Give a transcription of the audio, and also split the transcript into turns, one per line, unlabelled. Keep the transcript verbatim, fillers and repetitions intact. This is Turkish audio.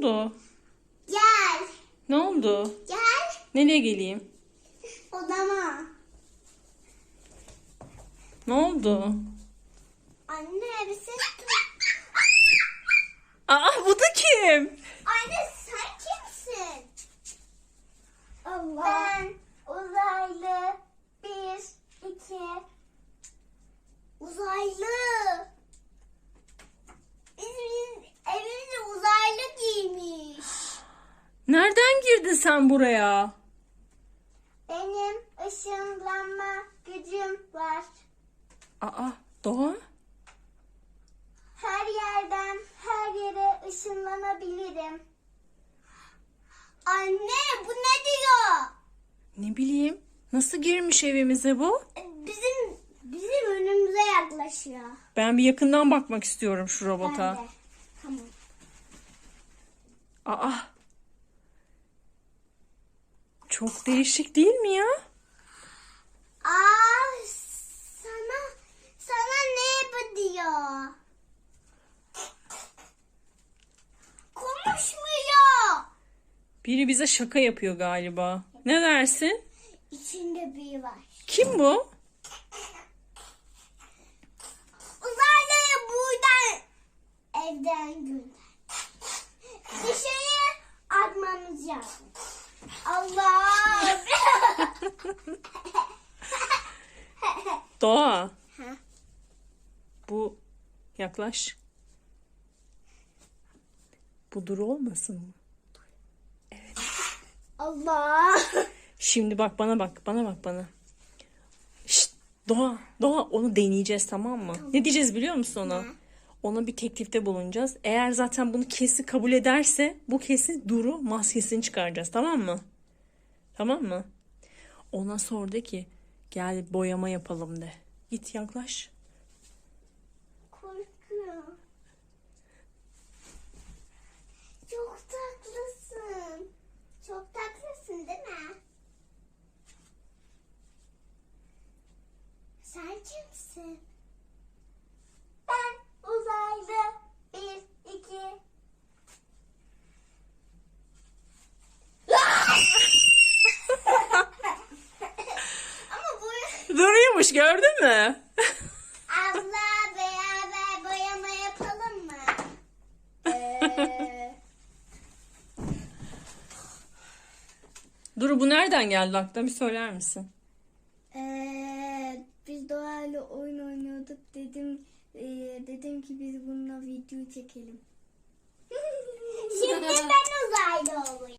oldu?
Gel.
Ne oldu?
Gel.
Nereye geleyim?
Odama.
Ne oldu?
Anne bir ses duydum.
Aa, bu da kim?
Anne sen kimsin? Allah. Ben uzaylı. Bir, iki. Uzaylı. Bizim evimize uzaylı giymiş.
Nereden girdin sen buraya?
Benim ışınlanma gücüm var.
Aa, Doğa?
Her yerden her yere ışınlanabilirim. Anne bu ne diyor?
Ne bileyim. Nasıl girmiş evimize bu?
Bizim bizim önümüze yaklaşıyor.
Ben bir yakından bakmak istiyorum şu
Ben
robota.
de. Tamam.
Aa. Çok değişik değil mi ya?
Aa sana sana ne bu diyor? Konuşmuyor.
Biri bize şaka yapıyor galiba. Ne dersin?
İçinde biri var.
Kim bu?
Uzaylıyı buradan evden gönder. Dışarı atmamız lazım. Allah!
Doğa.
Ha?
Bu yaklaş. Bu Duru olmasın mı?
Allah!
Şimdi bak bana bak. Bana bak bana. Şşt, Doğa. Doğa onu deneyeceğiz, tamam mı? Ne diyeceğiz biliyor musun ona?
Ne?
Ona bir teklifte bulunacağız. Eğer zaten bunu kesin kabul ederse bu kesin Duru maskesini çıkaracağız, tamam mı? Tamam mı? Ona sor de ki gel boyama yapalım de. Git yaklaş.
Korkuyorum. Çok tatlısın. Çok tatlısın değil mi? Sen kimsin? Ben uzaylı. Bir, iki. Ama bu...
Duruyormuş, gördün mü?
Abla beraber boyama yapalım mı? Ee,
Duru, bu nereden geldi aklına, bir söyler misin?
ee, biz Doğayla oyun oynuyorduk. Dedim ee, dedim ki biz bununla video çekelim. Şimdi ben